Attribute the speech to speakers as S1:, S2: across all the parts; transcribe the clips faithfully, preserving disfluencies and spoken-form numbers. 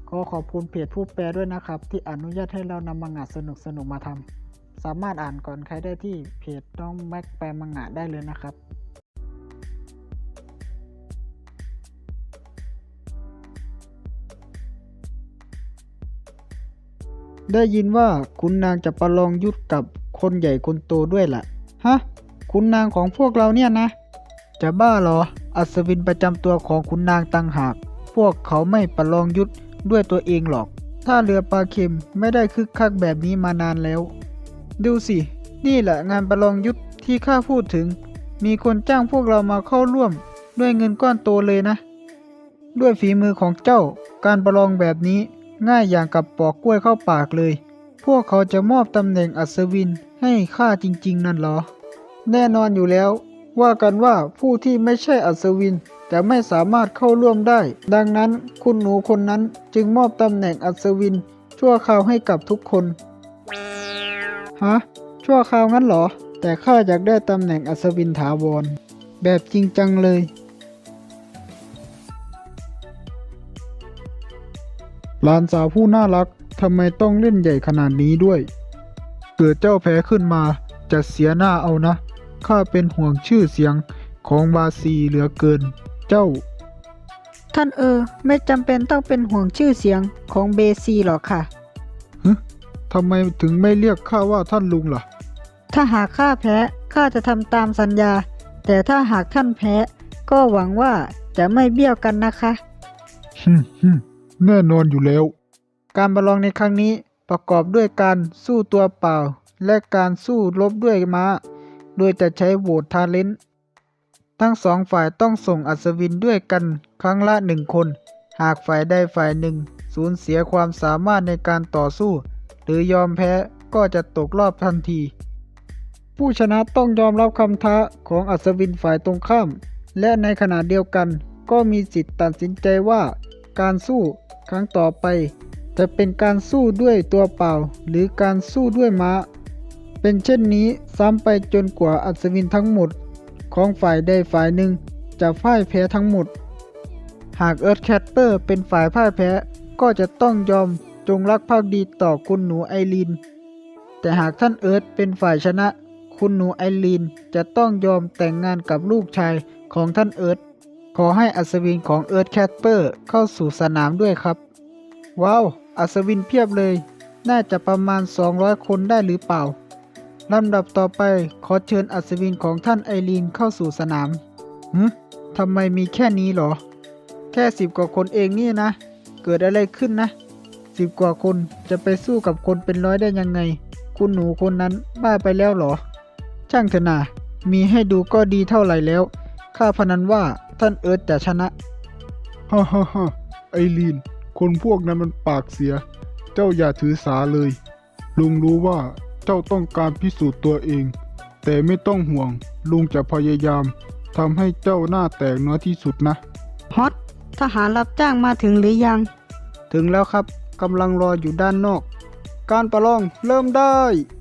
S1: ขอขอบคุณเพจผู้แปลด้วยนะครับที่อนุญาตให้เรานำมังงะสนุกๆมาทำสามารถอ่านก่อนใครได้ที่เพจน้องแม็กแปลมังงะได้เลยนะครับได้ยินว่าคุณนางจะประลองยุทธกับคนใหญ่คนโตด้วยล่ะฮะคุณนางของพวกเราเนี่ยนะจะบ้าเหรออัศวินประจำตัวของคุณนางต่างหากพวกเขาไม่ประลองยุทธด้วยตัวเองหรอกถ้าเรือปลาเค็มไม่ได้คึกคักแบบนี้มานานแล้วดูสินี่แหละงานประลองยุทธที่ข้าพูดถึงมีคนจ้างพวกเรามาเข้าร่วมด้วยเงินก้อนโตเลยนะด้วยฝีมือของเจ้าการประลองแบบนี้ง่ายอย่างกับปอกกล้วยเข้าปากเลยพวกเขาจะมอบตำแหน่งอัศวินให้ข้าจริงๆนั่นเหรอแน่นอนอยู่แล้วว่ากันว่าผู้ที่ไม่ใช่อัศวินจะไม่สามารถเข้าร่วมได้ดังนั้นคุณหนูคนนั้นจึงมอบตำแหน่งอัศวินชั่วคราวให้กับทุกคนฮะชั่วคราวงั้นเหรอแต่ข้าอยากได้ตำแหน่งอัศวินถาวรแบบจริงจังเลยหลานสาวผู้น่ารักทำไมต้องเล่นใหญ่ขนาดนี้ด้วยเกิดเจ้าแพ้ขึ้นมาจะเสียหน้าเอานะข้าเป็นห่วงชื่อเสียงของบาซีเหลือเกินเจ้าท่านเออไม่จำเป็นต้องเป็นห่วงชื่อเสียงของเบซีหรอกค่ะฮึทำไมถึงไม่เรียกข้าว่าท่านลุงล่ะถ้าหากข้าแพ้ข้าจะทำตามสัญญาแต่ถ้าหากท่านแพ้ก็หวังว่าจะไม่เบี้ยวกันนะคะฮึฮึแน่นอนอยู่แล้วการประลองในครั้งนี้ประกอบด้วยการสู้ตัวเปล่าและการสู้รบด้วยม้าโดยจะใช้โหวตทาเลนต์ทั้งสองฝ่ายต้องส่งอัศวินด้วยกันครั้งละหนึ่งคนหากฝ่ายใดฝ่ายหนึ่งสูญเสียความสามารถในการต่อสู้หรือยอมแพ้ก็จะตกรอบทันทีผู้ชนะต้องยอมรับคำท้าของอัศวินฝ่ายตรงข้ามและในขณะเดียวกันก็มีสิทธิ์ตัดสินใจว่าการสู้ครั้งต่อไปจะเป็นการสู้ด้วยตัวเปล่าหรือการสู้ด้วยม้าเป็นเช่นนี้ซ้ำไปจนกว่าอัศวินทั้งหมดของฝ่ายใดฝ่ายหนึ่งจะพ่ายแพ้ทั้งหมดหากเอิร์ธแคทเปอร์เป็นฝ่ายพ่ายแพ้ก็จะต้องยอมจงรักภักดีต่อคุณหนูไอรีนแต่หากท่านเอิร์ธเป็นฝ่ายชนะคุณหนูไอรีนจะต้องยอมแต่งงานกับลูกชายของท่านเอิร์ธขอให้อัศวินของเอิร์ธแคทเปอร์เข้าสู่สนามด้วยครับว้าวอัศวินเพียบเลยน่าจะประมาณสองร้อยคนได้หรือเปล่าลำดับต่อไปขอเชิญอัศวินของท่านไอรีนเข้าสู่สนามหืมทำไมมีแค่นี้หรอแค่สิบกว่าคนเองนี่นะเกิดอะไรขึ้นนะสิบกว่าคนจะไปสู้กับคนเป็นร้อยได้ยังไงคุณหนูคนนั้นบ้าไปแล้วหรอช่างเถอะนามีให้ดูก็ดีเท่าไหร่แล้วข้าพนันว่าท่านเอิร์ธจะชนะฮ่าฮ่าฮ่าไอรีนคนพวกนั้นมันปากเสียเจ้าอย่าถือสาเลยลุงรู้ว่าเจ้าต้องการพิสูจน์ตัวเองแต่ไม่ต้องห่วงลุงจะพยายามทำให้เจ้าหน้าแตกน้อยที่สุดนะฮอตทหารรับจ้างมาถึงหรือยังถึงแล้วครับกำลังรออยู่ด้านนอกการประลองเริ่มได้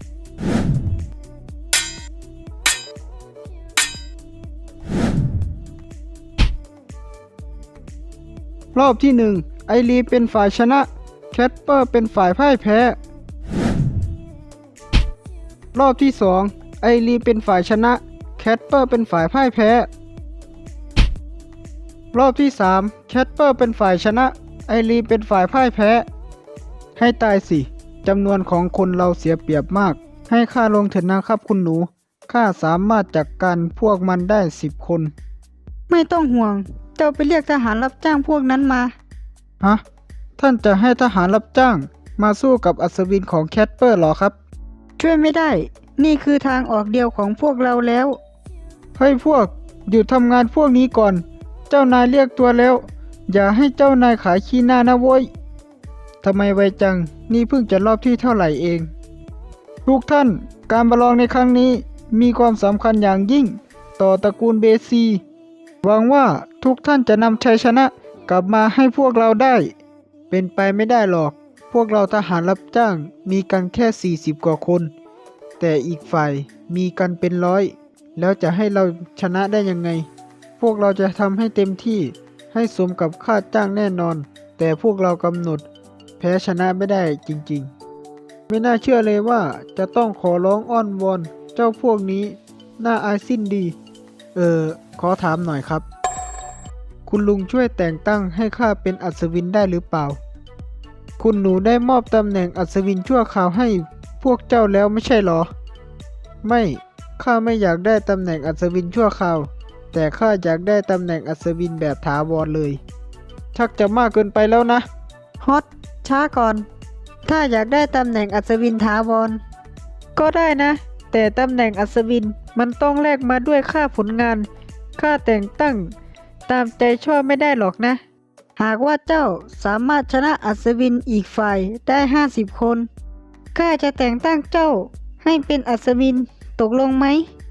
S1: รอบที่หนึ่งไอรีเป็นฝ่ายชนะแคทเปอร์เป็นฝ่ายพ่ายแพ้รอบที่สองไอรีเป็นฝ่ายชนะแคทเปอร์เป็นฝ่ายพ่ายแพ้รอบที่สามแคทเปอร์เป็นฝ่ายชนะไอรีเป็นฝ่ายพ่ายแพ้ให้ตายสิจำนวนของคนเราเสียเปรียบมากให้ข้าลงเถิดนะครับคุณหนูข้าสามารถจัดการพวกมันได้สิบคนไม่ต้องห่วงเจ้าไปเรียกทหารรับจ้างพวกนั้นมาฮะท่านจะให้ทหารรับจ้างมาสู้กับอัศวินของแคทเปอร์หรอครับช่วยไม่ได้นี่คือทางออกเดียวของพวกเราแล้วเฮ้ยพวกหยุดทำงานพวกนี้ก่อนเจ้านายเรียกตัวแล้วอย่าให้เจ้านายขายขี้หน้านะโว้ยทำไมไวจังนี่เพิ่งจะรอบที่เท่าไหร่เองทุกท่านการประลองในครั้งนี้มีความสำคัญอย่างยิ่งต่อตระกูลเบซีหวังว่าทุกท่านจะนำชัยชนะกลับมาให้พวกเราได้เป็นไปไม่ได้หรอกพวกเราทหารรับจ้างมีกันแค่สี่สิบกว่าคนแต่อีกฝ่ายมีกันเป็นร้อยแล้วจะให้เราชนะได้ยังไงพวกเราจะทำให้เต็มที่ให้สมกับค่าจ้างแน่นอนแต่พวกเรากำหนดแพ้ชนะไม่ได้จริงๆไม่น่าเชื่อเลยว่าจะต้องขอร้องอ้อนวอนเจ้าพวกนี้น่าอายสิ้นดี เออขอถามหน่อยครับ คุณลุงช่วยแต่งตั้งให้ข้าเป็นอัศวินได้หรือเปล่า คุณหนูได้มอบตำแหน่งอัศวินชั่วคราวให้พวกเจ้าแล้วไม่ใช่หรอ ไม่ข้าไม่อยากได้ตำแหน่งอัศวินชั่วคราว แต่ข้าอยากได้ตำแหน่งอัศวินแบบถาวรเลย ชักจะมากเกินไปแล้วนะ
S2: ฮอตช้าก่อน ถ้าอยากได้ตำแหน่งอัศวินถาวรก็ได้นะ แต่ตำแหน่งอัศวินมันต้องแลกมาด้วยค่าผลงาน ค่าแต่งตั้ง ตามใจชอบไม่ได้หรอกนะ หากว่าเจ้าสามารถชนะอัศวินอีกฝ่ายได้ห้าสิบคนข้าจะแต่งตั้งเจ้าให้เป็นอัศวินตกลงไหม